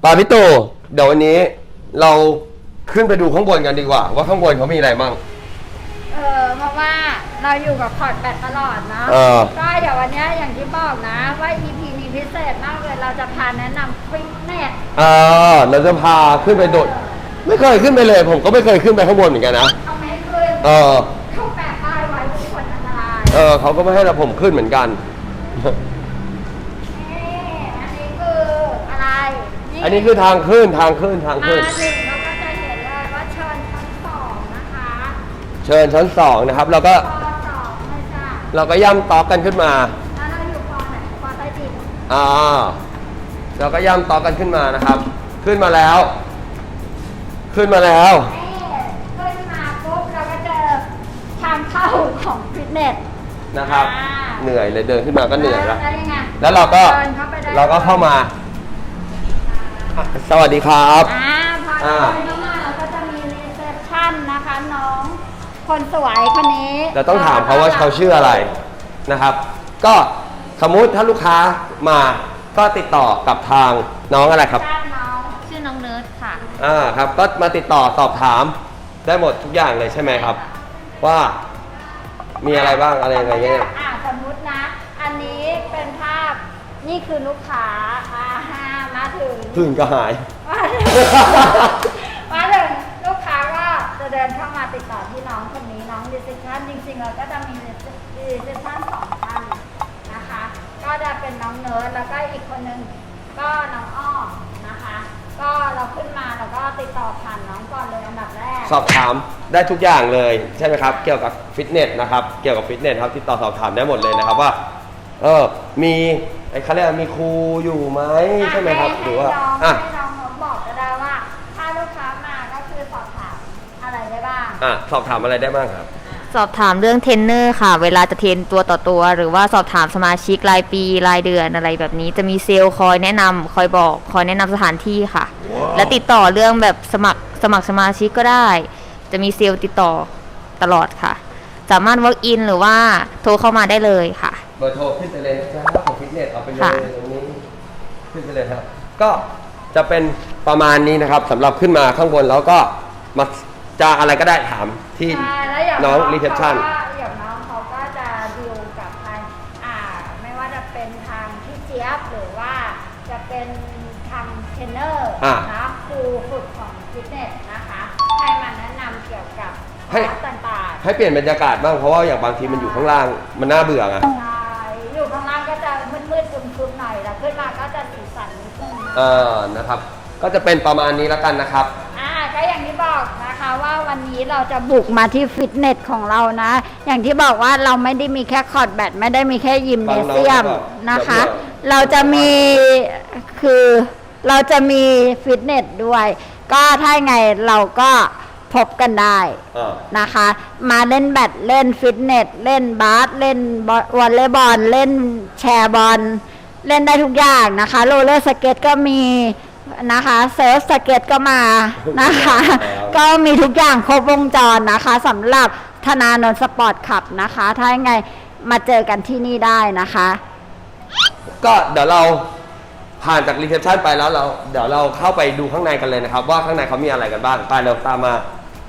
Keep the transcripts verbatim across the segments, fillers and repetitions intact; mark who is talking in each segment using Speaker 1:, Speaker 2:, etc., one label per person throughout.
Speaker 1: ปาพี่ตู่เดี๋ยววันนี้เราขึ้นไปดูข้างบนกันดีกว่าว่าข้างบนเขามีอะไรบ้าง
Speaker 2: เออเพราะว่าเราอยู่กับพอร์ตแบตตลอดนะก็เดี๋ยววันนี้อย่างที่บอกนะว่า อี พี นี้พิเศษมากเลยเราจะพาแนะนำฟิตเนส
Speaker 1: อ่าเราจะพาขึ้นไปโดดไม่เคยขึ้นไปเลยผมก็ไม่เคยขึ้นไปข้างบนเหมือนกันนะ
Speaker 2: เขาไม่ให้ขึ้น
Speaker 1: เออ
Speaker 2: เขาแปะป้ายไว้ทุกคนอันตราย
Speaker 1: เออเขาก็ไม่ให้เราผมขึ้นเหมือนกัน
Speaker 2: อันนี้คืออะไร
Speaker 1: อันนี้คือทางขึ้นทางขึ้นทางขึ้น
Speaker 2: มาถึงเราก็จะเห็นเลยว่าเชิญชั้นสองนะคะ
Speaker 1: เชิญชั้นสองนะครับเราก็เราก็ย่ำต๊อกกันขึ้นมา
Speaker 2: แล้วเราอยู่ปอไหนปอใต้ดิน
Speaker 1: อ่าเราก็ย่ำต๊อกกันขึ้นมานะครับขึ้นมาแล้วขึ้นมาแล้ว
Speaker 2: ขึ้นมาปุ๊บเราก็เจอทางเข้าของฟิตเนส
Speaker 1: นะครับเหนื่อยเลยเดินขึ้นมาก็เหนื่อยแล้ว
Speaker 2: แล้ว
Speaker 1: เราก็เราก็เข้ามาสวัสดีครับ
Speaker 2: อ่าพอเดินเข้ามาเราก็จะมีรีเซพชันนะคะน้องคนสวยคนนี้
Speaker 1: เราต้องถามเขาว่าเขาชื่ออะไรนะครับก็สมมุติถ้าลูกค้ามาก็ติดต่อกับทางน้องอะไรครับ
Speaker 2: น้องชื่อน้องเนิร์ดค่ะ
Speaker 1: อ่าครับก็มาติดต่อสอบถามได้หมดทุกอย่างเลยใช่ไหมครับว่ามีอะไรบ้างอะไรยังไงเนี่ย
Speaker 2: อ่าสมมุตินะอันนี้เป็นภาพนี่คือลูกค้าอ่ามาถึง
Speaker 1: ถึงก็หาย
Speaker 2: มาถึงลูกค้าก็จะเดินเข้ามาติดต่อที่น้องคนนี้น้องรีเซพชันจริงๆเราก็จะมีรีเซพชันสองท่านนะคะก็จะเป็นน้องเนิร์ดแล้วก็อีกคนนึงก็น้องอ้อมนะคะก็เราขึ้นมาแล้วก็ติดต่อผ่านน้องก่อนเลยอันดับแรก
Speaker 1: สอบถามได้ทุกอย่างเลยใช่ไหมครับเกี่ยวกับฟิตเนสนะครับเกี่ยวกับฟิตเนสครับติดต่อสอบถามได้หมดเลยนะครับว่าเออมีไอ้เขาเรียกมีครูอยู่ไหมใช่ไหมครับหรือว่า
Speaker 2: อ่ะให้น้องบอกก็ได้ว่าถ้าลูกค้ามาก็คือสอบถามอะไรได้บ้าง
Speaker 1: อ่ะสอบถามอะไรได้บ้างครับ
Speaker 3: สอบถามเรื่องเทรนเนอร์ค่ะเวลาจะเทรนตัวต่อตัวหรือว่าสอบถามสมาชิกรายปีรายเดือนอะไรแบบนี้จะมีเซลล์คอยแนะนำคอยบอกคอยแนะนำสถานที่ค่ะ wow. และติดต่อเรื่องแบบสมัครสมัครสมาชิกก็ได้จะมีเซลล์ติดต่อตลอดค่ะสามารถ walk in หรือว่าโทรเข้ามาได้เลยค่ะ
Speaker 1: เบอร์โทรขึ้นไปเลยนะของฟิตเนสเอาไปเลยตรงนี้ขึ้นไปเลยครับก็จะเป็นประมาณนี้นะครับสำหรับขึ้นมาข้างบนแล้วก็มาจะอะไรก็ได้ถามที่น้องรีเซพชัน
Speaker 2: อย่างน้องเขาก็จะดีลกับทางอ่าไม่ว่าจะเป็นทางพี่เจี๊ยบหรือว่าจะเป็นทางเทรนเนอร์นะครูฝึกของฟิตเนสนะคะให้มาแนะนำเกี่ยวกับคลาสต่าง
Speaker 1: ๆให้เปลี่ยนบรรยากาศบ้างเพราะว่าอย่างบางทีมันอยู่ข้างล่างมันน่าเบื่อไง
Speaker 2: ใช่อยู่ข้างล่างก็จะมืดๆครึมๆหน่อยแล้วขึ้นมาก็จะสีสันนิดนึง
Speaker 1: เออนะครับก็จะเป็นประมาณนี้แล้วกันนะครับ
Speaker 2: อ่าก็อย่างที่บอกนะคะว่าวันนี้เราจะบุกมาที่ฟิตเนสของเรานะอย่างที่บอกว่าเราไม่ได้มีแค่คอร์ดแบดไม่ได้มีแค่ยิมเนเซียมนะคะเราจะมีคือเราจะมีฟิตเนสด้วยก็ถ้าไงเราก็พบกันได้นะคะมาเล่นแบดเล่นฟิตเนสเล่นบาสเล่นวอลเลย์บอลเล่นแชร์บอลเล่นได้ทุกอย่างนะคะโรลเลอร์สเก็ตก็มีนะคะเซิร์ฟสเก็ตก็มานะคะก็มีทุกอย่างครบวงจรนะคะสำหรับธนานนท์สปอร์ตคลับนะคะถ้าไงมาเจอกันที่นี่ได้นะคะ
Speaker 1: ก็เดี๋ยวเราผ่านจากรีเซพชันไปแล้วเราเดี๋ยวเราเข้าไปดูข้างในกันเลยนะครับว่าข้างในเขามีอะไรกันบ้างไปเร็วตามมา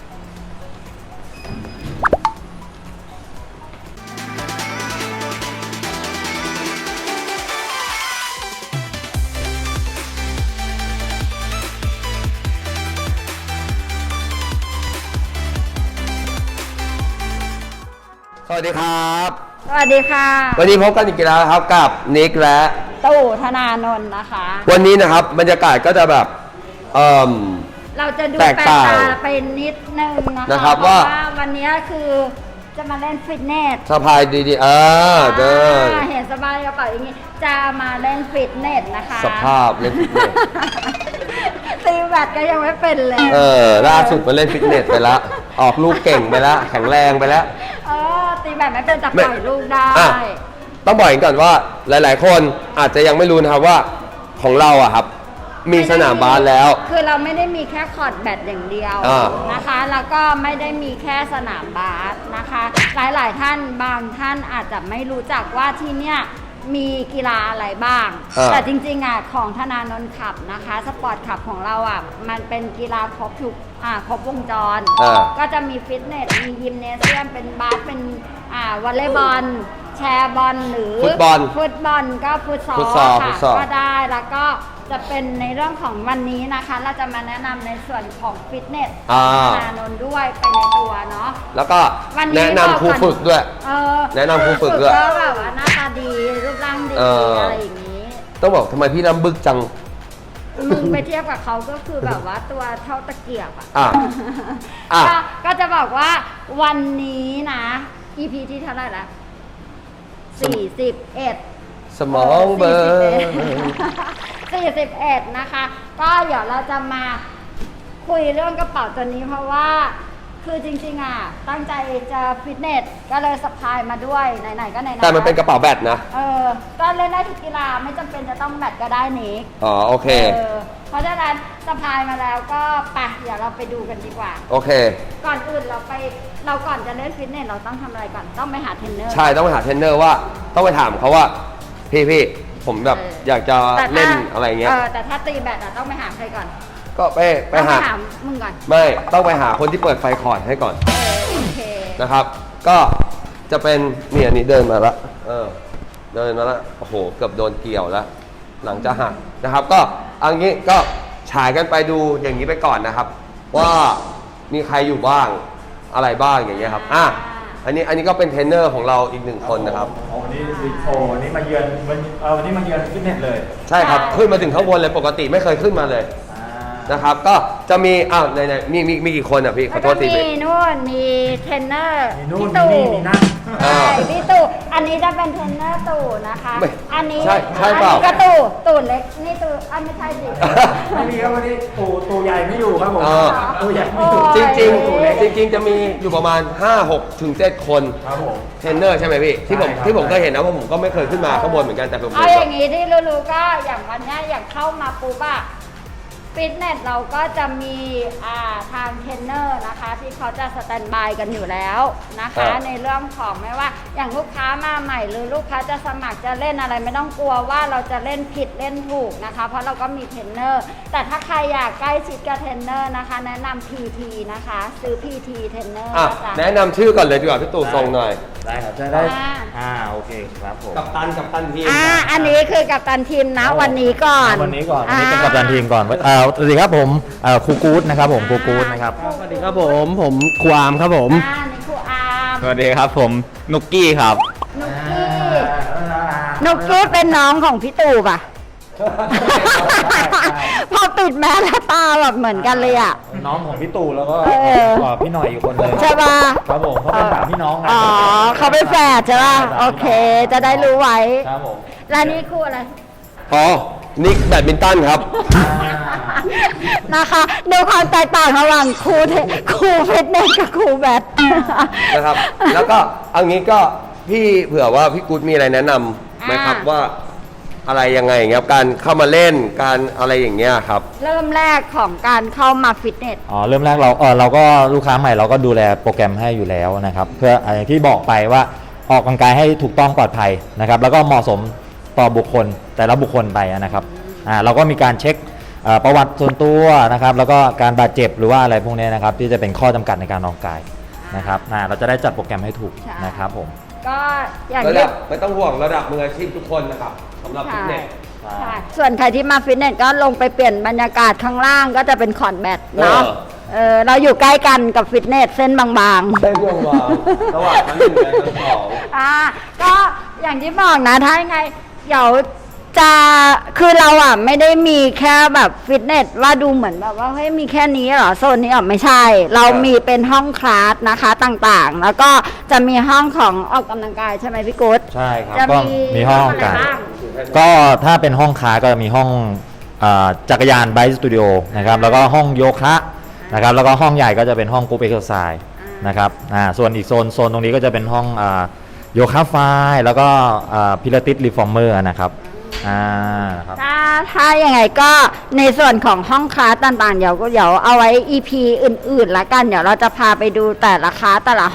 Speaker 1: สวัสดีครับ
Speaker 2: สวัสดีค่ะ
Speaker 1: วันนี้พบกันอีกแล้วครับกับนิกและ
Speaker 2: ตู่ธนานนท์นะคะ
Speaker 1: วันนี้นะครับบรรยากาศก็จะแบบเอ่อ
Speaker 2: เราจะดูแปลกตาไปนิดนึงนะคะว่าวันนี้คือจะมาเล่นฟิตเนส
Speaker 1: สบายดีๆเออเดิน
Speaker 2: เห็นสบายกระเป๋าอย่างนี้จะมาเล่นฟิตเนสนะคะ
Speaker 1: สภาพเล่นฟิตเนส
Speaker 2: ตีแบดก็ยังไม่เป็นเลย
Speaker 1: เออล่าสุดมาเล่นฟิตเนสไปแล้วออกลูกเก่งไปแล้วแข็งแรงไปแล้ว
Speaker 2: เออตีแบดไม่เป็นแต่ปล่อยลูกได้
Speaker 1: ต้องบอกก่อนว่าหลายๆคนอาจจะยังไม่รู้นะครับว่าของเราอะครับมีสนามบาสแล้ว
Speaker 2: คือเราไม่ได้มีแค่คอร์ตแบดอย่างเดียวนะคะแล้วก็ไม่ได้มีแค่สนามบาสนะคะหลายๆท่านบางท่านอาจจะไม่รู้จักว่าที่เนี่ยมีกีฬาอะไรบ้าง
Speaker 1: อ่า
Speaker 2: แต่จริงๆอ่ะของธนานนท์ขับนะคะสปอร์ตขับของเราอ่ะมันเป็นกีฬาครบทุกอ่าครบวงจร
Speaker 1: อ่า
Speaker 2: ก็จะมีฟิตเนสมียิมเนเซียมเป็นบาสเป็นอ่าวอลเลย์บอลแชร์บอลหรือ
Speaker 1: ฟุตบอล
Speaker 2: ฟุตบอลก็ฟุตซอ
Speaker 1: ฟุ
Speaker 2: ล
Speaker 1: ตซอลฟุ
Speaker 2: ค่ะ
Speaker 1: ตซอล
Speaker 2: ก็ได้แล้วก็จะเป็นในเรื่องของวันนี้นะคะ เราจะมาแนะนำในส่วนของฟิตเนส
Speaker 1: อ่า
Speaker 2: ธนานนท์ด้วยไปในตัวเนาะ
Speaker 1: แล้วก็
Speaker 2: วันนี้
Speaker 1: แนะนำครูฝึกด้วย
Speaker 2: เออ
Speaker 1: แนะนำครูฝึกด้วย
Speaker 2: ก็แบบว่าหน้าตาดีรูปร่างดี
Speaker 1: เอออ
Speaker 2: อะไรอย่างนี้
Speaker 1: ต้องบอกทำไมพี่น้ำบึกจัง
Speaker 2: มึงไปเทียบกับเขาก็คือแบบว่าตัวเท่าตะเกียบอ่ะ
Speaker 1: อ่ะอ่ะ
Speaker 2: ก็ก็จะบอกว่าวันนี้นะ อี พี ที่เท่าไหร่ละสี่สิบเอ็ด
Speaker 1: สมองเบอร์
Speaker 2: สี่สิบเอ็ดนะคะ ก็เดี๋ยวเราจะมาคุยเรื่องกระเป๋าตัวนี้เพราะว่าคือจริงๆอ่ะตั้งใจจะฟิตเนสก็เลยสะพายมาด้วยไหนๆก็ไหนๆ
Speaker 1: แต่มันเป็นกระเป๋าแบตนะ
Speaker 2: เออก็เล่นได้ทุกกีฬาไม่จำเป็นจะต้องแบตก็ได้นิก
Speaker 1: อ๋อโอเค
Speaker 2: เออเพราะฉะนั้นสะพายมาแล้วก็ไปเดี๋ยวเราไปดูกันดีกว่า
Speaker 1: โอเค
Speaker 2: ก่อนอื่นเราไปเราก่อนจะเล่นฟิตเนสเราต้องทำอะไรก่อนต้องไปหาเทรนเนอร์
Speaker 1: ใช่ต้องไปหาเทรนเนอร์ว่า ต้องไปถามเขาว่า พี่พี่ผมแบบ
Speaker 2: เออ
Speaker 1: อยากจะ
Speaker 2: แต่ถ้า
Speaker 1: เล่นอะไรเงี้ย
Speaker 2: เออแต่ถ้าตีแบตอะต้องไปหาใครก่อน
Speaker 1: ก็ไปไป
Speaker 2: ต้อง
Speaker 1: หา
Speaker 2: หามึงก่อน
Speaker 1: ไม่ต้องไปหาคนที่เปิดไฟคอร์ดให้ก่อน
Speaker 2: เออโอเค
Speaker 1: นะครับ ก็จะเป็นเนี่ยนี่เดินมาละเออเดินมาละโอ้โหเกือบโดนเกี่ยวแล้ว หลังจะหักนะครับ ก็เอันนี้ก็ฉายกันไปดูอย่างนี้ไปก่อนนะครับ ว่ามีใครอยู่บ้างอะไรบ้างอย่างเงี้ยครับอ่ะอันนี้อันนี้ก็เป็นเทรนเนอร์ของเราอีกหนึ่งคนนะครับ
Speaker 4: อ๋อวันนี้บิ๊กโชว์วันนี้มาเยือนวันเอ่อวันนี้มาเยือนฟิตเนสเลย
Speaker 1: ใช่ครับ ขึ้นมาถึงข้างบนเลยปกติไม่เคยขึ้นมาเลย
Speaker 4: อ่า
Speaker 1: นะครับ ก็จะมีอ้าวไหนๆมีมีมีกี่คนอ่ะพี่ขอโทษที
Speaker 2: แล้วก็
Speaker 1: พี่
Speaker 2: มีนู่นมีเทรนเนอร์
Speaker 4: มีนู่น
Speaker 2: พี่
Speaker 4: มี
Speaker 2: ตู่
Speaker 4: นี่มีนั่น
Speaker 2: ใช่พี่ตู่อันนี้จะเป็นเทรนเนอร์ตู่นะคะ
Speaker 1: ไม่
Speaker 2: อันนี้
Speaker 1: ใช่ใช่
Speaker 2: อัน
Speaker 1: เปล่า
Speaker 2: นี้ก็ตู่ตู่เล็กนี่ตู่อันไม่ใช่สิ
Speaker 4: ไม่มีครับวันนี้ตูตูใหญ่ไม่อยู่ครับผม
Speaker 1: เออ
Speaker 4: ตูใหญ่ไม่อยู่
Speaker 2: โอ้
Speaker 1: จ
Speaker 2: ย
Speaker 1: ริงจริงๆจริง ๆ จะมีอยู่ประมาณ ห้า หก ถึง เจ็ด คน
Speaker 4: ครับผม
Speaker 1: เทรนเนอร์ใช่ไหมพี่ที่ผม
Speaker 4: ใช่ครับ
Speaker 1: ที่ผมเคยเห็นนะเพราะผมก็ไม่เคยขึ้นมาข้างบนเหมือนกันแต่ผม
Speaker 2: เอาอย่างนี้ที่รู้ๆก็อย่างวันเนี้ยอย่างเข้ามาปุ๊บอะฟิตเนสเราก็จะมีอ่าทางเทรนเนอร์นะคะที่เขาจะสแตนบายกันอยู่แล้วนะคะ ในเรื่องของไม่ว่าอย่างลูกค้ามาใหม่ หรือลูกค้าจะสมัครจะเล่นอะไรไม่ต้องกลัวว่าเราจะเล่นผิดเล่นถูกนะคะ เพราะเราก็มีเทรนเนอร์แต่ถ้าใครอยากใกล้ชิดกับเทรนเนอร์นะคะ แนะนำ พี ที นะคะซื้อ พี ที เทรนเนอร์
Speaker 1: อ่ะ
Speaker 2: นะจ๊ะ
Speaker 1: แนะนำชื่อก่อนเลยดีกว่าพี่ตู่ทรงหน่อย
Speaker 4: ได้ครับจะได้
Speaker 2: อ่า
Speaker 4: อ่าโอเคครับผม
Speaker 1: กับตันกับตันทีม
Speaker 2: อ่าอันนี้คือกัปตันทีมนะวันนี้ก่อน
Speaker 4: วันนี้ก่อนวันนี้เป็นกัปตันทีมก่อนอ่าสวัสดีครับผมเอ่อครูกู๊ดนะครับผมครูกู๊ดนะครับ
Speaker 5: สวัสดีครับผมผมความครับผม
Speaker 2: อ่านี่ครูอาร์ม
Speaker 5: สวัสดีครับผมนุกกี้ครับ
Speaker 2: นุกกี้นุกกี้เป็นน้องของพี่ตู่ป่ะ พอปิดแมสแล้วตาแบบเหมือนกันเลยอ่ะ
Speaker 4: น้องของพี่ตู่แล้วก็
Speaker 2: เออ
Speaker 4: เอ่อพี่หน่อยอีกคนหนึง
Speaker 2: ใช่ป่ะ
Speaker 4: ครับผมเขาเป็นสามพี่น้องกัน
Speaker 2: อ๋อเขาเป็นแฝดใช่ป่ะ โอเค จะได้รู้ไว้
Speaker 4: ครับผม
Speaker 2: แล้วนี่ครูอะไร
Speaker 1: อ๋อนิกแบดมินตันครับ
Speaker 2: นะคะดูความแตกต่างระหว่างครูเทครูฟิตเนสกับครูแบด
Speaker 1: นะครับ แล้วก็เอางี้ก็พี่เผื่อว่าพี่กู๊ดมีอะไรแนะนำไหมครับ
Speaker 2: อ่า
Speaker 1: ว่าอะไรยังไงอย่างเงี้ยครับการเข้ามาเล่นการอะไรอย่างเงี้ยครับ
Speaker 2: เริ่มแรกของการเข้ามาฟิตเนส
Speaker 4: อ๋อเริ่มแรกเราเออเราก็ลูกค้าใหม่เราก็ดูแลโปรแกรมให้อยู่แล้วนะครับเพื่ออย่างที่บอกไปว่าออกกำลังกายให้ถูกต้องปลอดภัยนะครับแล้วก็เหมาะสมต่อบุคคลแต่ละบุคคลไปนะครับอ่าเราก็มีการเช็คเอ่อประวัติส่วนตัวนะครับแล้วก็การบาดเจ็บหรือว่าอะไรพวกนี้นะครับที่จะเป็นข้อจำกัดในการออกกำลังกายนะครับอ่าเราจะได้จัดโปรแกรมให้ถูก
Speaker 2: ใช่
Speaker 4: นะครับผม
Speaker 2: ก็อย่าง
Speaker 1: ระ
Speaker 2: ที่
Speaker 1: ดับไม่ต้องห่วงระดับมืออาชีพทุกคนนะครับสำหรับฟิตเนส
Speaker 2: ใช่ส่วนใครที่มาฟิตเนสก็ลงไปเปลี่ยนบรรยากาศข้างล่างก็จะเป็นคอร์ดแบดเนาะ
Speaker 1: เออ
Speaker 2: เออเราอยู่ใกล้กันกับฟิตเนสเส้นบางๆ
Speaker 1: ได้ห่วงวางระหว่างชั้นหนึ่งและชั้นสอง
Speaker 2: อ่าก็อย่างที่บอกนะถ้ายังไงเดี๋ยวจะคือเราอ่ะไม่ได้มีแค่แบบฟิตเนสว่าดูเหมือนแบบว่าเฮ้ยมีแค่นี้เหรอโซนนี้อ่ะไม่ใช่ เรามีเป็นห้องคลาสนะคะต่างๆ แล้วก็จะมีห้องของออกกำลังกายใช่ไหมพี่กุ๊ด
Speaker 4: ใช่ครับ
Speaker 2: จะ
Speaker 4: ก็
Speaker 2: มี
Speaker 4: มีห้อง
Speaker 2: อะไร
Speaker 4: กัน
Speaker 2: บ้าง
Speaker 4: ก็ถ้าเป็นห้องค้าก็จะมีห้องอ่าจักรยานไบค์สตูดิโอนะครับแล้วก็ห้องโยคะนะครับแล้วก็ห้องใหญ่ก็จะเป็นห้องกรุ๊ปเอ็กซ์ไซส์นะครับอ่าส่วนอีกโซนโซนตรงนี้ก็จะเป็นห้องอ่าโยคะไฟแล้วก็พิลาติสรีฟอร์เมอร์นะครับอ่านะครับ
Speaker 2: ถ้าถ้ายังไงก็ในส่วนของห้องคลาสต่างๆ เดี๋ยวก็เดี๋ยวเอาไว้ อี พี อื่นๆละกัน เดี๋ยวเราจะพาไปดูแต่ละคลาสแต่ละห้อง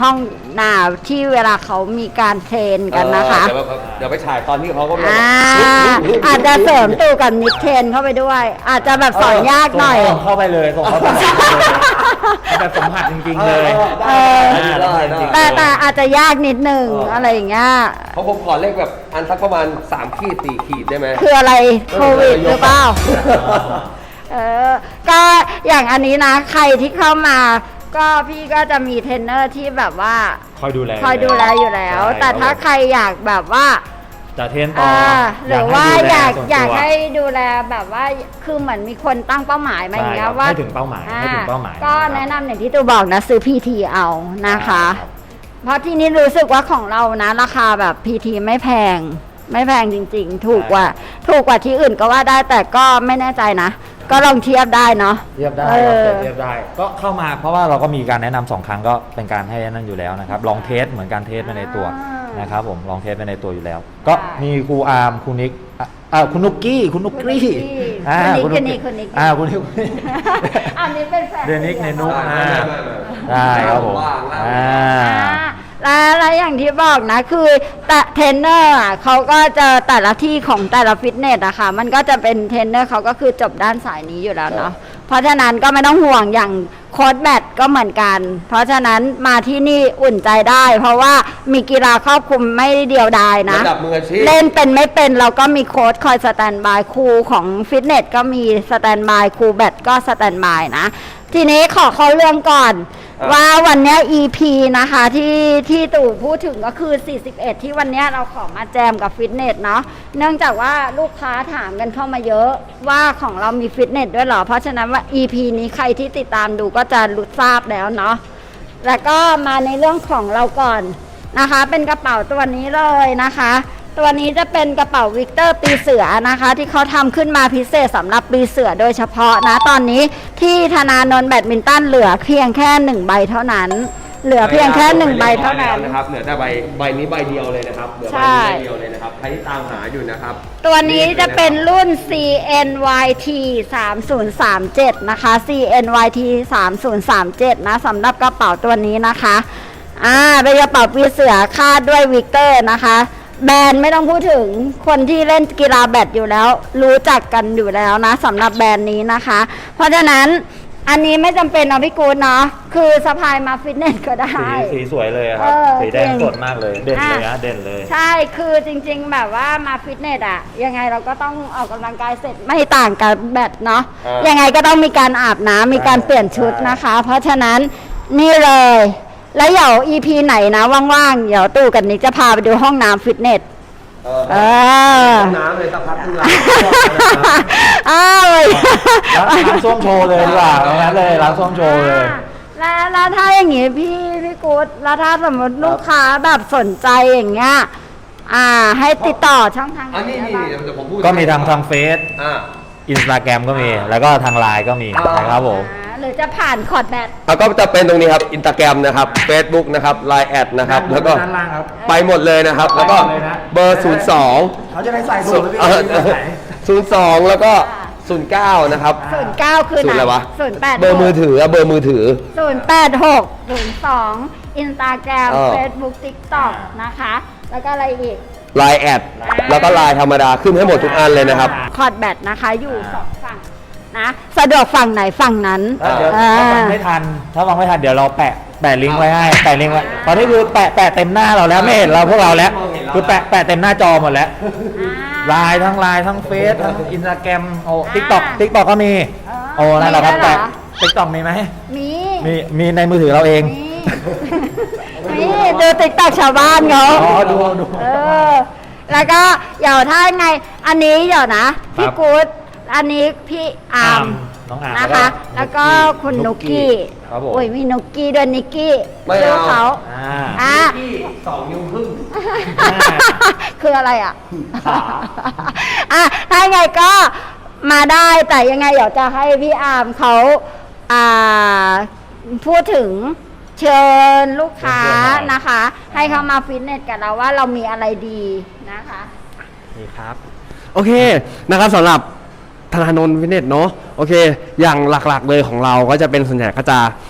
Speaker 2: หน้าที่เวลาเขามีการเทรนกันนะคะ
Speaker 1: เดี๋ยวเดี๋ยวไปถ่ายตอนที่เขาก็
Speaker 2: อ่าอาจจะเสริมตู่กับมิดเทรนเข้าไปด้วย อาจจะแบบสอนยากหน่อย
Speaker 4: ส่งเข้าไปเลยส่งเข้าไปแบบสัมผัสจริงๆเลย
Speaker 2: เออ
Speaker 1: ได้ได้
Speaker 2: แต่แต่อาจจะยากนิดนึงอะไรอย่างเงี้ย
Speaker 1: เพราะผมขอเลขแบบอันสักประมาณสามขีดสี่ขีดได้ไหม
Speaker 2: คืออะไรโควิดหรือเปล่า เออ ก็อย่างอันนี้นะ ใครที่เข้ามา ก็พี่ก็จะมีเทรนเนอร์ที่แบบว่า
Speaker 4: คอยดูแล
Speaker 2: คอยดูแลอยู่แล้ว
Speaker 4: ใช่
Speaker 2: แต่ถ้าใครอยากแบบว่า
Speaker 4: จะเทรนต่อ
Speaker 2: อ่าหรือว่าอยาก
Speaker 4: ส่วนตัว
Speaker 2: อยากให้ดูแลแบบว่าคือเหมือนมีคนตั้งเป้าหมายมาอย่างเงี้ย
Speaker 4: ใช่ครับ
Speaker 2: ว่า
Speaker 4: ให้ถึงเป้าหมายให้ถึงเป้าหมาย
Speaker 2: ก็
Speaker 4: นะครับ
Speaker 2: แนะนำอย่างที่ตูบอกนะซื้อ พี ที เอานะคะ
Speaker 4: ครับ
Speaker 2: เพราะที่นี้รู้สึกว่าของเรานะราคาแบบ พี ที ไม่แพง ไม่แพงจริงๆ ถูกกว่า ถูกกว่าที่อื่นก็ว่าได้แต่ก็ไม่แน่ใจนะ ก็ลองเทียบได้เนาะ
Speaker 4: เทียบได้
Speaker 2: เอ
Speaker 4: ครับ
Speaker 2: อ
Speaker 4: เทียบได้ ก็เข้ามาเพราะว่าเราก็มีการแนะนำสองครั้งก็เป็นการให้นั่นอยู่แล้วนะครับ ลองเทสเหมือนการเทสไปในตัวนะครับผมลองเทสไปในตัวอยู่แล้ว ก็มีครูอาร์มครูนิกอ่ะอ่าคุณนุกกี้คุณนุกกี้อ่า
Speaker 2: คนนี้
Speaker 4: ณ
Speaker 2: คนนี้
Speaker 4: อ่าคุณนิก
Speaker 2: อันนี้เป็นแฟน
Speaker 4: เดนิกเนนุก
Speaker 1: อ่า
Speaker 4: อ่าได้ครับผม
Speaker 1: ว่างๆ
Speaker 4: อ่า
Speaker 2: อ่าแล้วแล้วอย่างที่บอกนะคือแต่เทรนเนอร์อ่ะเขาก็จะแต่ละที่ของแต่ละฟิตเนสอะค่ะมันก็จะเป็นเทรนเนอร์เขาก็คือจบด้านสายนี้อยู่แล้วเนาะเพราะฉะนั้นก็ไม่ต้องห่วงอย่างโค้ชแบดก็เหมือนกัน เพราะฉะนั้นมาที่นี่อุ่นใจได้ เพราะว่ามีกีฬาครอบคลุมไม่เดียวดายนะ
Speaker 1: ระดับมืออาชีพ
Speaker 2: เล่นเป็นไม่เป็นเราก็มีโค้ชคอยสแตนบายครูของฟิตเนสก็มีสแตนบายครูแบดก็สแตนบายนะ ทีนี้ขอเข้าเรื่องก่อน
Speaker 1: อ่ะ
Speaker 2: ว่าวันเนี้ย อี พี นะคะที่ที่ตู่พูดถึงก็คือ สี่สิบเอ็ด ที่วันเนี้ยเราขอมาแจมกับฟิตเนสเนาะเนื่องจากว่าลูกค้าถามกันเข้ามาเยอะว่าของเรามีฟิตเนสด้วยเหรอ เพราะฉะนั้นว่า อี พี นี้ใครที่ติดตามดูก็จะรู้ทราบแล้วเนาะแล้วก็มาในเรื่องของเราก่อนนะคะ เป็นกระเป๋าตัวนี้เลยนะคะ ตัวนี้จะเป็นกระเป๋าวิกเตอร์ปีเสือนะคะ ที่เขาทำขึ้นมาพิเศษสำหรับปีเสือโดยเฉพาะนะตอนนี้ที่ธนานนท์แบดมินตันเหลือเพียงแค่หนึ่งใบเท่านั้น เหลือเพียงแค่หนึ่งใบเท่านั้น
Speaker 1: นะครับเหลือแต่ใบใบนี้ใบเดียวเลยนะครับเหลือใบ
Speaker 2: ใช่
Speaker 1: นี้ใบเดียวเลยนะครับใครที่ตามหาอยู่นะครับ
Speaker 2: ตัวนี้จะเป็นรุ่น ซี เอ็น วาย ที สามศูนย์สามเจ็ด นะคะ ซี เอ็น วาย ที สามศูนย์สามเจ็ด นะสำหรับกระเป๋าตัวนี้นะคะอ่าเป็นกระเป๋าปีเสือคาดด้วยวิกเตอร์นะคะแบรนด์ไม่ต้องพูดถึงคนที่เล่นกีฬาแบดอยู่แล้ว รู้จักกันอยู่แล้วนะสำหรับแบรนด์นี้นะคะ เพราะฉะนั้นอันนี้ไม่จำเป็นเอาพี่กูดเนาะคือสะพายมาฟิตเนสก็ได้
Speaker 4: สีสีสวยเลยครับ
Speaker 2: เออ
Speaker 4: สีแดง
Speaker 2: จริง
Speaker 4: สดมากเลย เด่นเลย
Speaker 2: อ่ะ
Speaker 4: นะเด่นเลย
Speaker 2: ใช่คือจริงๆแบบว่ามาฟิตเนสอะยังไงเราก็ต้องออกกำลังกายเสร็จไม่ต่างกับแบดเนาะ
Speaker 1: อ่ายั
Speaker 2: ยังไงก็ต้องมีการอาบน้ำมีการเปลี่ยนชุดนะคะ เพราะฉะนั้นนี่เลย แล้วเดี๋ยว อี พี ไหนนะว่างๆเดี๋ยวตู่กับนิกจะพาไปดูห้องน้ำฟิตเนส
Speaker 1: เออ
Speaker 2: เออ
Speaker 1: ห้องน้ำเลยสักพักนึงละ
Speaker 2: อ้าวเลย
Speaker 4: ล้างล้างส้วมโชว์เลยดีกว่าตรงนั้นเลยล้างส้วมโชว์เลย
Speaker 2: แล้วแล้วถ้าอย่างงี้พี่พี่กู๊ดแล้วถ้าสมมติลูกค้าแบบสนใจอย่างเงี้ยอ่า ให้ติดต่อช่องทางไห
Speaker 1: อันนี้
Speaker 2: ได้
Speaker 1: นี่
Speaker 2: บ้าง
Speaker 1: เดี๋ยวผมพูด
Speaker 4: ก็มีทางทางเฟซ
Speaker 1: อ่า
Speaker 4: อินสตาแกรมก็มี แล้วก็ทางไลน์ก็มี
Speaker 1: อ่าน
Speaker 4: นะครับผม
Speaker 2: อ่าหรือจะผ่านคอร์ดแบต
Speaker 1: แล้วก็จะเป็นตรงนี้ครับอินสตาแกรมนะครับ Facebook นะครับ ไลน์ แอดนะครับ แล้วก็
Speaker 4: ด้านล่างครับ
Speaker 1: ไปหมดเลยนะครับ แล้วก็
Speaker 4: ไปหมดเลยนะ
Speaker 1: เบอร์ ศูนย์ สอง
Speaker 4: เขาจะได้ใส่สู
Speaker 1: ศู
Speaker 4: ต
Speaker 1: น
Speaker 4: ร
Speaker 1: ย์
Speaker 4: พี่
Speaker 1: เอ่อ
Speaker 4: จะใส่
Speaker 1: ศูนย์สองแล้วก็ศูนย์เก้านะครับ
Speaker 2: ศูนย์เก้าคือ
Speaker 1: ศูนย์อะไรวะ
Speaker 2: ศูนย์แปด
Speaker 1: เบอร์มือถืออะเบอร์มือถือ
Speaker 2: ศูนย์แปดหกศูนย์สองอินสตาแกรม
Speaker 1: เออ
Speaker 2: เฟซบุ๊กติ๊กต็อกนะคะ แล้วก็อะไรอีก
Speaker 1: ไลน์แอดแล้วก็ไลน์ธรรมดาขึ้นให้หมดทุกอันเลยนะครับ
Speaker 2: คอร์ดแบตนะคะอยู่สองฝั่งนะสะดวกฝั่งไหนฝั่งนั้น
Speaker 4: ถ้าเดี๋ยว
Speaker 2: อ่า
Speaker 4: ถ้าฟังไม่ทัน ถ้าฟังไม่ทันเดี๋ยวเราแปะแปะลิงก์ไว้ให้แปะลิงก์ไว้ตอนนี้คือแปะแปะเต็มหน้าเราแล้วไม่เห็นเราพวกเราแล้ว คือแปะแปะเต็มหน้าจอหมดแล้วไลน์ทั้งไลน์ทั้งเฟซทั้งอินสตาแกรมโอ้ทิกตอกทิกตอกก็มี โอ้นั่นแหละครับ
Speaker 2: มีด้วยเหรอ
Speaker 4: แปะทิกตอกมีไหม
Speaker 2: มี
Speaker 4: มีมีในมือถือเราเอง
Speaker 2: มีมีดูติ๊กต็อกชาวบ้านเขา
Speaker 4: อ๋อดูดู
Speaker 2: เออ แล้วก็เดี๋ยวถ้าไง อันนี้เดี๋ยวนะ พี่
Speaker 4: ครับ
Speaker 2: กู๊ดอันนี้พี่อาร์ม
Speaker 4: น้องอาร์ม
Speaker 2: นะคะ แล้วก็คุณนุกกี้
Speaker 4: ครับผม
Speaker 2: โอ้ยมีนุกกี้ด้วยนิกกี้
Speaker 1: ไม่เอา
Speaker 2: ชื่เขา
Speaker 4: อ่า
Speaker 2: อ่ะ
Speaker 1: ที่สองนิ้วครึ่ง
Speaker 2: คืออะไรอ่ะ อ่ะ ถ้าไงก็มาได้แต่ยังไงเดี๋ยวจะให้พี่อาร์มเขาอ่าพูดถึงเชิญลูกค้านะคะ ให้เขามาฟิตเนสกับเราว่าเรามีอะไรดีนะคะ
Speaker 5: นี่ครับ โอเคนะครับสำหรับธนาโนนฟิตเนสเนาะโอเค อย่างหลักๆเลยของเราก็จะเป็นส่วนใหญ่ก็จะ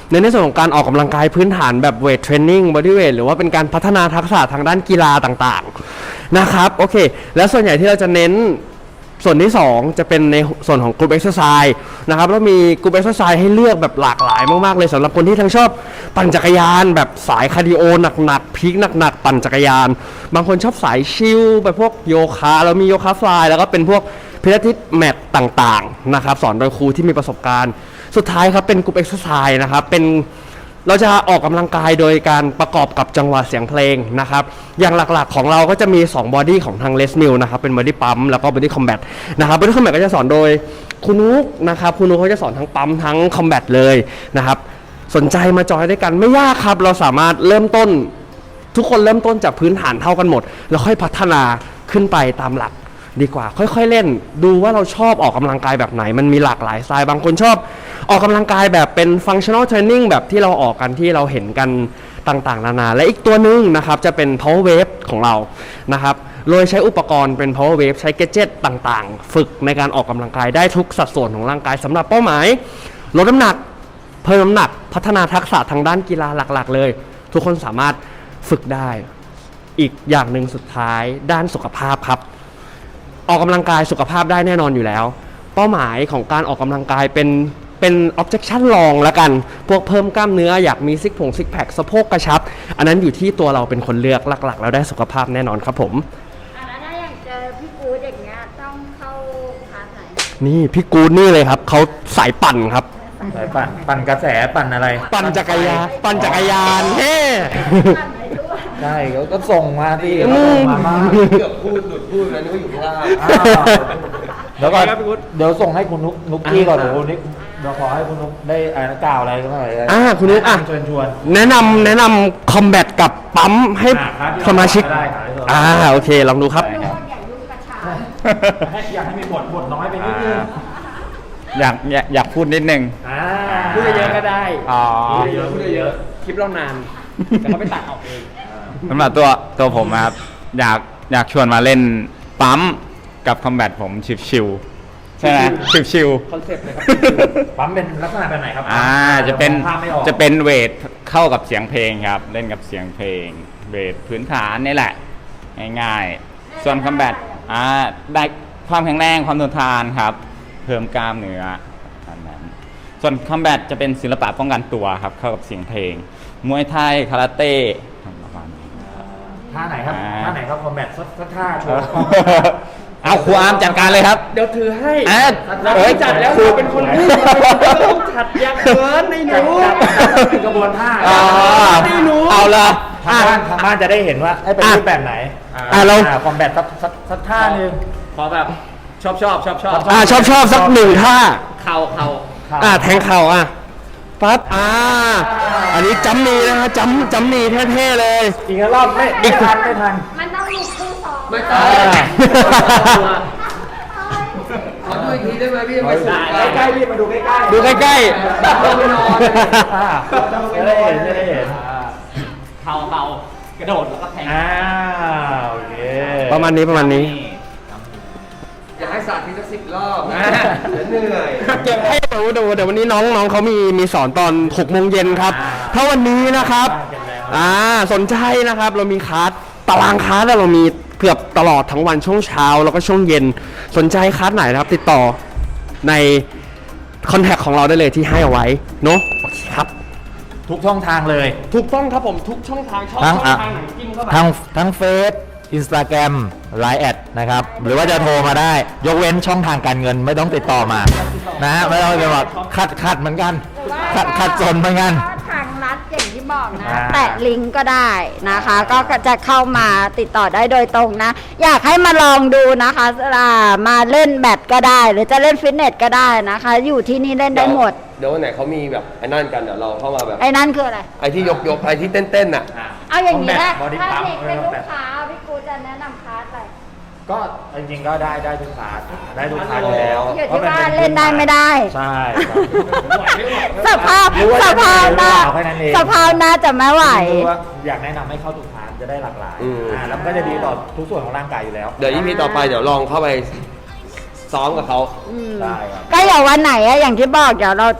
Speaker 5: ในในส่วนของการออกกำลังกายพื้นฐานแบบเวทเทรนนิ่งบอดี้เวทหรือว่าเป็นการพัฒนาทักษะทางด้านกีฬาต่างๆนะครับโอเคแล้วส่วนใหญ่ที่เราจะเน้นส่วนที่สองจะเป็นในส่วนของกรุ๊ปเอ็กซ์ไซส์นะครับแล้วมีกรุ๊ปเอ็กซ์ไซส์ให้เลือกแบบหลากหลายมากๆเลยสำหรับคนที่ทั้งชอบปั่นจักรยานแบบสายคาร์ดิโอหนักๆพีคหนักๆปั่นจักรยานบางคนชอบสายชิลแบบพวกโยคะแล้วมีโยคะฟลายแล้วก็เป็นพวกพิลาทิสแมทต่างๆนะครับสอนโดยครูที่มีประสบการณ์สุดท้ายครับเป็นกรุ๊ปเอ็กซ์ไซส์นะครับเป็นเราจะออกกำลังกายโดยการประกอบกับจังหวะเสียงเพลงนะครับอย่างหลักๆของเราก็จะมีสองบอดี้ของทางเลสมิลนะครับเป็นบอดี้ปั๊มแล้วก็บอดี้คอมแบทนะครับบอดี้คอมแบทก็จะสอนโดยคุณนุ๊กนะครับคุณนุ๊กเขาจะสอนทั้งปั๊มทั้งคอมแบทเลยนะครับสนใจมาจอยด้วยกันไม่ยากครับเราสามารถเริ่มต้นทุกคนเริ่มต้นจากพื้นฐานเท่ากันหมดแล้วค่อยพัฒนาขึ้นไปตามหลักดีกว่าค่อยๆเล่นดูว่าเราชอบออกกำลังกายแบบไหนมันมีหลากหลายสไตล์บางคนชอบออกกำลังกายแบบเป็น functional training แบบที่เราออกกันที่เราเห็นกันต่างๆนานาและอีกตัวหนึงนะครับจะเป็น power wave ของเรานะครับโดยใช้อุปกรณ์เป็น power wave ใช้ gadget ต่างๆฝึกในการออกกำลังกายได้ทุกสัดส่วนของร่างกายสำหรับเป้าหมายลดน้ำหนักเพิ่มน้ำหนักพัฒนาทักษะทางด้านกีฬาหลักๆเลยทุกคนสามารถฝึกได้อีกอย่างหนึ่งสุดท้ายด้านสุขภาพครับออกกำลังกายสุขภาพได้แน่นอนอยู่แล้วเป้าหมายของการออกกำลังกายเป็นเป็น objection รองละกันพวกเพิ่มกล้ามเนื้ออยากมีซิกผงซิกแพคสะโพกกระชับอันนั้นอยู่ที่ตัวเราเป็นคนเลือกหลักๆแล้วได้สุขภาพแน่นอนครับผม
Speaker 2: อ่ะแล้วถ้าอย่างเจอพี่กู๊ดอย่างเงี้ยต้องเข้าคลาสไหน
Speaker 5: นี่พี่กูดนี่เลยครับเขาสายปั่นครับ
Speaker 4: สายปั่นปั่นกระแสปั่นอะไร
Speaker 5: ปั่นจักรยานปั่นจักรยานเฮ้
Speaker 2: ปั่นไปด้วย
Speaker 4: ใช่เขาก็ส่งมาที่
Speaker 5: อื
Speaker 4: เขา
Speaker 5: ม
Speaker 4: ส่งมาบ้าง
Speaker 1: เกือบพูดหลุดพูดแล้วนึกว่าอยู่ข้างล่าง
Speaker 4: อ้าวเดี๋ยวก่อน
Speaker 5: ครับพี่กุ๊ด
Speaker 4: เดี๋ยวส่งให้คุณนุกนุกกี้ก่อนเดี๋ยวคุณนิกเดี๋ยวขอให้คุณนุกได้อ่านกล่าวอะไรก็หน่อย
Speaker 5: อ่าคุณนุ๊กอ่ะ
Speaker 4: เชิญชวน
Speaker 5: แนะนำแนะนำคอมแบทกับปั๊มให้
Speaker 4: อ่าครับ
Speaker 5: สมาชิก
Speaker 4: ได้ครับได้ครับ
Speaker 5: อ่าโอเคลองดูครับ
Speaker 2: ดูอย่ายุ่งกระชาก
Speaker 4: ให้อยากให้มีบทบทน้อยไปนิดนึง
Speaker 6: อยากอยากอยากพูดนิดนึง
Speaker 4: อ่า
Speaker 5: พูดเยอะๆก็ได้
Speaker 6: อ๋อ
Speaker 4: พูดเยอะพูดเยอะ
Speaker 5: คลิปเรานานแต่เขาไปตัดออกเอง
Speaker 6: สำหรับตัวตัวผมนะครับ อยากอยากชวนมาเล่นปั๊มกับคอมแบทผมชิวๆใช่ไหมชิว
Speaker 5: คอนเซ็ปต์เลยครับ
Speaker 4: ปั๊มเป็นลักษณะแบบไหนครับ
Speaker 6: ๆอ่าจะเป็น
Speaker 4: ภาพไม่ออก
Speaker 6: จะเป็นเวทเข้ากับเสียงเพลงครับ เล่นกับเสียงเพลง เวทพื้นฐานนี่แหละ ง่ายๆ ส่วนคอมแบทอ่าได้ความแข็งแรงความทนทานครับ เพิ่มกล้ามเนื้ออันนั้นส่วนคอมแบทจะเป็นศิลปะป้องกันตัวครับ เข้ากับเสียงเพลง มวยไทยคาราเต้ประมาณนี้
Speaker 4: ท่าไหนครับ
Speaker 6: อ่า
Speaker 4: ท่าไหนครับคอมแบทสักสักท่าโชว์
Speaker 6: เอาครูอาร์มจัดการเลยครับ
Speaker 5: เดี๋ยวถือให้
Speaker 6: อ่ะ
Speaker 5: เราไม่จัดแล้วเราเป็นคนพูดเราต้องจัดอยากเกินในหนู
Speaker 4: เป็นกระบวนท่า
Speaker 6: อ๋อ
Speaker 5: นี่หนู
Speaker 6: เอาละ
Speaker 4: ทางบ้านทางบ้านจะได้เห็นว่าเอ้ยเป็น
Speaker 5: อ่ะ
Speaker 4: รูปแบบไหน
Speaker 5: อ่ะเรา
Speaker 4: คอมแบทสักสักสักท่าหนึ่ง
Speaker 7: ขอแบบชอบชอบชอบชอบ
Speaker 5: อ่าชอบชอบสักหนึ่งท่า
Speaker 7: เข่าเข่า
Speaker 5: อ่าแทงเข่าอ่ะปั๊บอ่าอันนี้จำนีนะฮะจำจำนีเท่ๆเลย
Speaker 4: อีกรอบไม่ไม่ทันไม่ทัน
Speaker 2: มันต้องมีคู่สอง
Speaker 1: ไม่ต้อง
Speaker 4: อ่า
Speaker 1: ขอดูอีกทีได้ไหมพี่ยังไม่สุด
Speaker 4: ใกล้ๆพี่มาดูใกล้ๆ
Speaker 5: ดูใกล้
Speaker 1: เราไปนอน
Speaker 4: อ่าจะได้เห็นจะได้เห็น
Speaker 7: เข่าเข่ากระโดดแล้วก็แทง
Speaker 4: อ่าโอเค
Speaker 5: ๆ ประมาณนี้ประมาณนี้
Speaker 1: อยากให้สาธิตสักสิบรอบเดี๋ยวเหนื่อย
Speaker 5: เก็บให้ดูดูเดี๋ยววันนี้น้องน้องเขามีมีสอนตอนหกโมงเย็นครับ ถ้าวันนี้นะครับอ่าสนใจนะครับเรามีคลาสตารางคลาสเรามีเกือบตลอดทั้งวันช่วงเช้าแล้วก็ช่วงเย็นสนใจคลาสไหนนะครับ ติดต่อในคอนแทคของเราได้เลยที่ให้เอาไว้เนาะโอเคครับ
Speaker 4: ทุกช่องทางเลย
Speaker 5: ถูกต้องครับผมทุกช่องทางช่อง
Speaker 4: ทั้ง
Speaker 5: ช่อง
Speaker 4: อ่ะ
Speaker 5: ทางไหนจิ้มเข้าไป
Speaker 4: ทั้งทั้งเฟซอินสตาแกรมไลน์แอดนะครับ หรือว่าจะโทรมาได้ ยกเว้นช่องทางการเงินไม่ต้องติดต่อมานะฮะไม่ต้องไปบอกขัดขัดเหมือนกัน ขัดขัดจนเหมือนกัน
Speaker 2: ก็ทางรัฐอย่างที่บอกนะ
Speaker 4: อ่า
Speaker 2: แตะลิงก์ก็ได้นะคะ ก็จะเข้ามาติดต่อได้โดยตรงนะ อยากให้มาลองดูนะคะอ่ามาเล่นแบดก็ได้ หรือจะเล่นฟิตเนสก็ได้นะคะ อยู่ที่นี่เล่นได้หมด
Speaker 1: เดี๋ยววันไหนเขามีแบบไอ้นั่นกันเดี๋ยวเราเข้ามาแบบ
Speaker 2: ไอ้นั่นคืออะไร
Speaker 1: ไอ้ที่ยกยกไอ้ที่เต้นเต้นๆน่ะ
Speaker 2: เอาอย่างนี้นะ
Speaker 4: Combat Body
Speaker 2: ถ้า
Speaker 4: Pump
Speaker 2: เด็กเป็นลูกค้าพี่กูจะแนะนำคลาสอะไร
Speaker 4: ก็จริงๆก็ได้ได้ทุกคลาสได้ทุกคลาสอยู่แล้ว
Speaker 2: อยู่ที่ว่าเล่นได้ไม่ได้
Speaker 4: ใช่ครับ
Speaker 2: สภาพ
Speaker 4: หรือว่า
Speaker 2: ส
Speaker 4: จะ
Speaker 2: ภาพหน้า
Speaker 4: เอาแค่นั้นเอง
Speaker 2: สภาพหน้าจะไม่ไหว
Speaker 4: คือว่าอยากแนะนำให้เข้าทุกคลาสจะได้หลากหลาย
Speaker 1: อืม
Speaker 4: อ่าแล้วมันก็จะดีต่อทุกส่วนของร่างกายอยู่แล้ว
Speaker 1: เดี๋ยวอีพีต่อไปเดี๋ยวลองเข้าไปซ้อมกับเขา
Speaker 4: ได้ครับ
Speaker 2: ก็อย่างวันไหนอะอย่างที่บอกเดี๋ยวเราจะ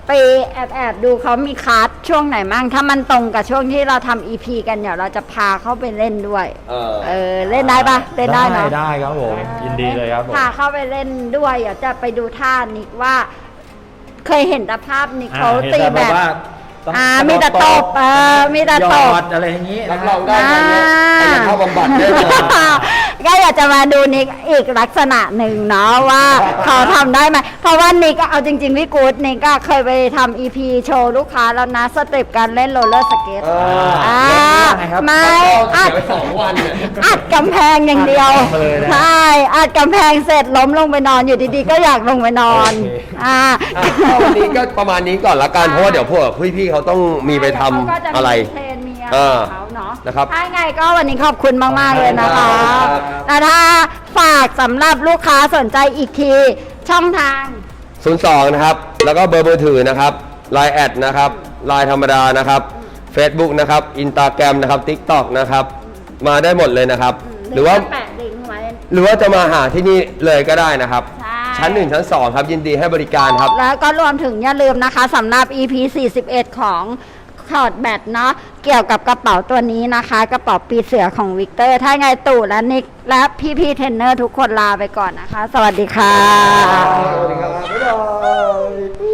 Speaker 2: ไปแอบแอบดูเขามีคลาสช่วงไหนมั่งถ้ามันตรงกับช่วงที่เราทำ อี พี กันเดี๋ยวเราจะพาเข้าไปเล่นด้วย
Speaker 1: เออ
Speaker 2: เออเล่นได้ปะเล่นได้เนาะ
Speaker 4: ได้ครับผมยินดีเลยครับผม
Speaker 2: พาเข้าไปเล่นด้วยเดี๋ยวจะไปดูท่านิกว่า เคยเห็นแต่ภาพนิกเขา
Speaker 4: อ่าเห็น
Speaker 2: ตี
Speaker 4: แต่
Speaker 2: แบบ
Speaker 4: ว่าต้อง
Speaker 2: อ่ามีแต่ตบเออมีแต่
Speaker 4: หย
Speaker 2: ต
Speaker 4: อบ ดอะไรอย่างนี้
Speaker 1: รับ
Speaker 4: นะ
Speaker 1: รองได้ไหมเนี่ยอันนี้เข้าบำบัดได้เลย
Speaker 2: ก็อยากจะมาดูนิกอีกลักษณะหนึ่งเนาะว่าเขาทำได้ไหมเพราะว่านิกก็เอาจริงๆพี่กู๊ดนิกก็เคยไปทำ อี พี โชว์ลูกค้าแล้วนะสเต็ปการเล่นโรลเลอร์สเก็ต
Speaker 1: เออ
Speaker 2: อ่า
Speaker 4: เล่นยังไงครับ
Speaker 2: ไม่
Speaker 1: เสี
Speaker 2: อั
Speaker 1: ย
Speaker 2: ด
Speaker 1: ไปสองวันเนี่ย
Speaker 2: อัดกำแพงอย่างเดียว
Speaker 4: มาเลยนะ
Speaker 2: ใช่อัดกำแพงเสร็จล้มลงไปนอนอยู่ดีๆ ก็อยากลงไปนอน
Speaker 4: โอเค
Speaker 2: อ่า
Speaker 1: อ่ะก็วันนี้ก็ประมาณนี้ก่อนละกันเพราะว่าเดี๋ยวพวกพี่ๆเขาต้องมีไปทำ
Speaker 2: เขาก็จะมี
Speaker 1: อะไร
Speaker 2: เทรนมีอะไร
Speaker 1: เออ
Speaker 2: ของเขาเนาะ
Speaker 1: นะครับ
Speaker 2: ถ้าไงก็วันนี้ขอบคุณมาก ๆ เลยนะคะ
Speaker 1: ครับ
Speaker 2: แต่ถ้าฝากสำหรับลูกค้าสนใจอีกที ช่องทาง
Speaker 1: ศูนย์สองนะครับ แล้วก็เบอร์มือถือนะครับ ไลน์ แอดนะครับ ไลน์ธรรมดานะครับ Facebook นะครับ อินสตาแกรมนะครับ TikTok นะครับ มาได้หมดเลยนะครับ หรือว่า
Speaker 2: แปะลิงก์ไว้
Speaker 1: หรือว่าจะมาหาที่นี่เลยก็ได้นะครับ
Speaker 2: ใช่
Speaker 1: ชั้นหนึ่งชั้นสองครับ ยินดีให้บริการครับ
Speaker 2: แล้วก็รวมถึงอย่าลืมนะคะสำหรับ อี พี สี่สิบเอ็ด ของคอร์ดแบตเนาะเกี่ยวกับกระเป๋าตัวนี้นะคะ กระเป๋าปีเสือของวิกเตอร์ ถ้าไงตู่และนิกและพี่ๆเทรนเนอร์ทุกคนลาไปก่อนนะคะ สวัสดีค่ะ
Speaker 1: สวัสดีครับ บ๊ายบาย